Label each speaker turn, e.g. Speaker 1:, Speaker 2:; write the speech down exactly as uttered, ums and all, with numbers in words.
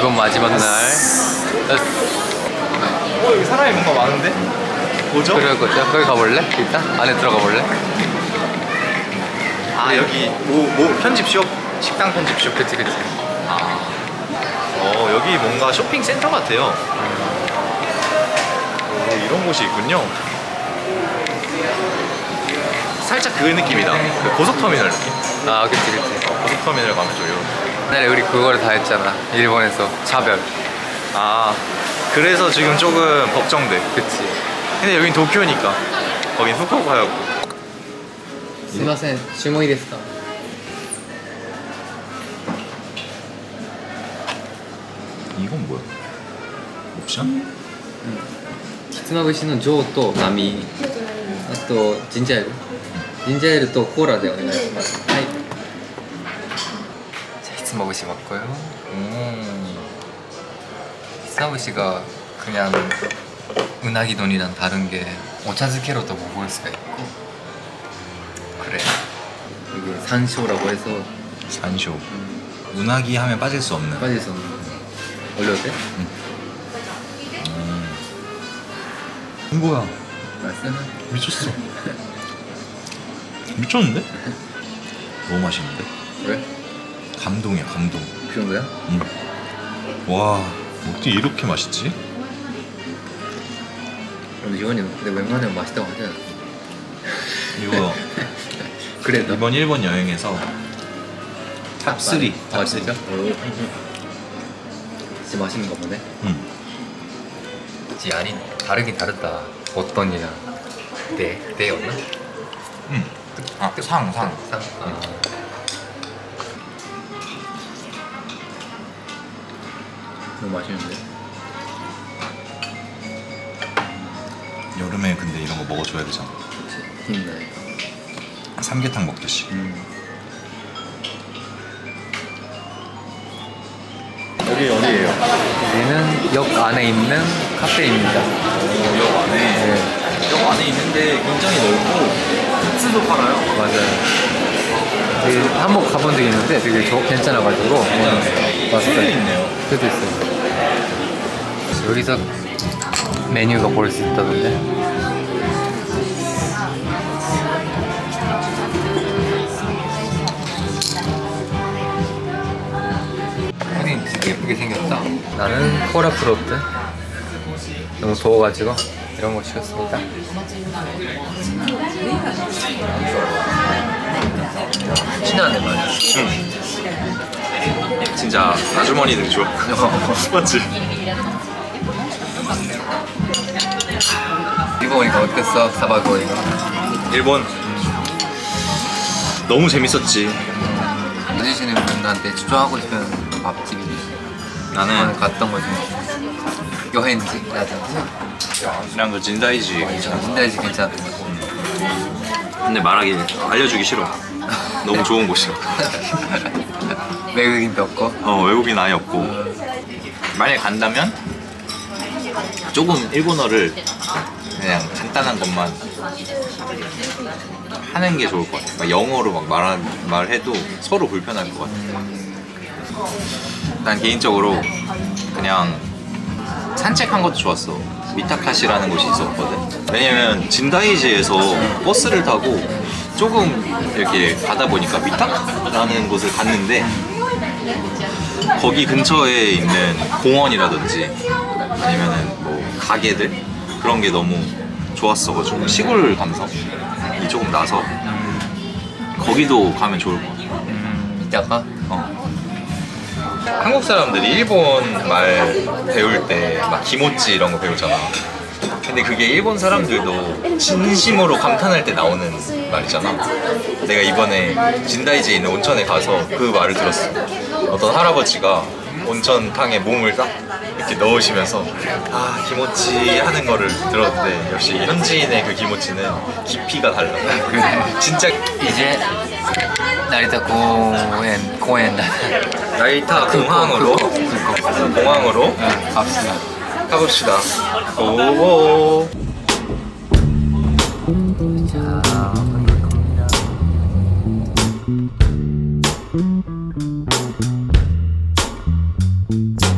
Speaker 1: 이번 마지막 날.
Speaker 2: 어 여기 사람이 뭔가 많은데? 뭐죠?
Speaker 1: 그럴 거죠. 거기 가볼래? 일단 안에 들어가 볼래?
Speaker 2: 아 여기 뭐, 뭐 편집숍? 식당 편집숍.
Speaker 1: 그치 그치.
Speaker 2: 아. 어 여기 뭔가 쇼핑 센터 같아요. 오, 이런 곳이 있군요. 살짝 그 느낌이다. 그 고속터미널 느낌.
Speaker 1: 아 그치 그치.
Speaker 2: 어, 고속터미널 가면 좀 이런.
Speaker 1: 옛날에 우리 그거를 다 했잖아. 일본에서 차별.
Speaker 2: 아 그래서 지금 조금 걱정돼.
Speaker 1: 그치.
Speaker 2: 근데 여긴 도쿄니까. 거긴 후쿠오카였고.
Speaker 1: すいません、注文いいですか?
Speaker 2: 이건 뭐야? 옵션?
Speaker 1: ひつまぶしの上と波、あとジンジャーエール、ジンジャーエールとコーラでお願いします。はい。자ひつまぶし맞고요. 음.ひつまぶし가 그냥 은하기돈이랑 다른 게 오차즈케로도 먹을 수가 있고. 그래. 이게 산쇼라고 해서
Speaker 2: 산쇼. 운하기 하면 빠질 수 없는.
Speaker 1: 빠질 수 없는. 올려도 돼?
Speaker 2: 응. 음. 뭐야?
Speaker 1: 맛있어?
Speaker 2: 미쳤어. 미쳤는데? 너무 맛있는데?
Speaker 1: 왜?
Speaker 2: 감동이야 감동.
Speaker 1: 그 정도야?
Speaker 2: 응. 와 어떻게 이렇게 맛있지?
Speaker 1: 근데 요한이 근데 웬만하면 맛있다고 하잖아.
Speaker 2: 이거
Speaker 1: 그래 너?
Speaker 2: 이번 일본 여행에서 탑쓰리.
Speaker 1: 아 진짜? 진짜 맛있는 거 보네.
Speaker 2: 응.
Speaker 1: 지 아니 다르긴 다르다. 어떤이랑 네 네였나?
Speaker 2: 응. 아 상 상.
Speaker 1: 상. 아. 너무 맛있는데.
Speaker 2: 여름에 근데 이런 거 먹어줘야 되잖아.
Speaker 1: 그치. 힘나니까.
Speaker 2: 삼계탕 먹듯이.
Speaker 1: 음.
Speaker 2: 여기 어디예요?
Speaker 1: 여기는 역 안에 있는 카페입니다.
Speaker 2: 오, 역 안에.
Speaker 1: 네.
Speaker 2: 역 안에 있는데 굉장히 넓고 굿즈도 팔아요.
Speaker 1: 맞아요. 되게 한번 가본 적이 있는데 되게 좋 괜찮아가지고
Speaker 2: 괜찮았어요.
Speaker 1: 왔어요.
Speaker 2: 술도 있네요.
Speaker 1: 술도 있어요. 여기서 메뉴가 볼 수 있다던데. 푸딩 되게 예쁘게 생겼다. 나는 코라 프로트. 너무 더워가지고 이런 거 시켰습니다. 신나네 말이야.
Speaker 2: 응. 진짜 아주머니들이 좋았군요. 맞지?
Speaker 1: 이거 오니까 어땠어? 사바고 오니까.
Speaker 2: 일본 너무 재밌었지.
Speaker 1: 아저씨는 나한테 추천하고 싶은 밥집이
Speaker 2: 나는
Speaker 1: 갔던 거지. 여행지 맞아.
Speaker 2: 그냥 그 진다이지 괜찮아.
Speaker 1: 진다이지 괜찮았던 거지.
Speaker 2: 근데 말하기 알려주기 싫어. 너무 좋은 곳이야.
Speaker 1: 외국인도 없고.
Speaker 2: 어 외국인 아예 없고. 만약에 간다면 조금 일본어를 그냥 간단한 것만 하는 게 좋을 것 같아. 막 영어로 막 말하, 말해도 서로 불편할 것 같아. 난 개인적으로 그냥 산책한 것도 좋았어. 미타카시라는 곳이 있었거든. 왜냐면 진다이지에서 버스를 타고 조금 이렇게 가다 보니까 미타카라는 곳을 갔는데 거기 근처에 있는 공원이라든지 아니면은 뭐 가게들 그런 게 너무 좋았어가지고 시골 감성이 조금 나서 거기도 가면 좋을 것 같아.
Speaker 1: 음, 이따가?
Speaker 2: 어. 한국 사람들이 일본 말 배울 때 막 기모찌 이런 거 배우잖아. 근데 그게 일본 사람들도 진심으로 감탄할 때 나오는 말이잖아. 내가 이번에 진다이지에 있는 온천에 가서 그 말을 들었어. 어떤 할아버지가 온천탕에 몸을 딱 이렇게 넣으시면서 아 기모찌 하는 거를 들었는데 역시 현지인의 그 기모찌는 깊이가 달라. 그 진짜
Speaker 1: 이제 나리타 공원 공원
Speaker 2: 나리타 공항으로 공항으로
Speaker 1: 응, 갑시다.
Speaker 2: 가봅시다. 오. 자,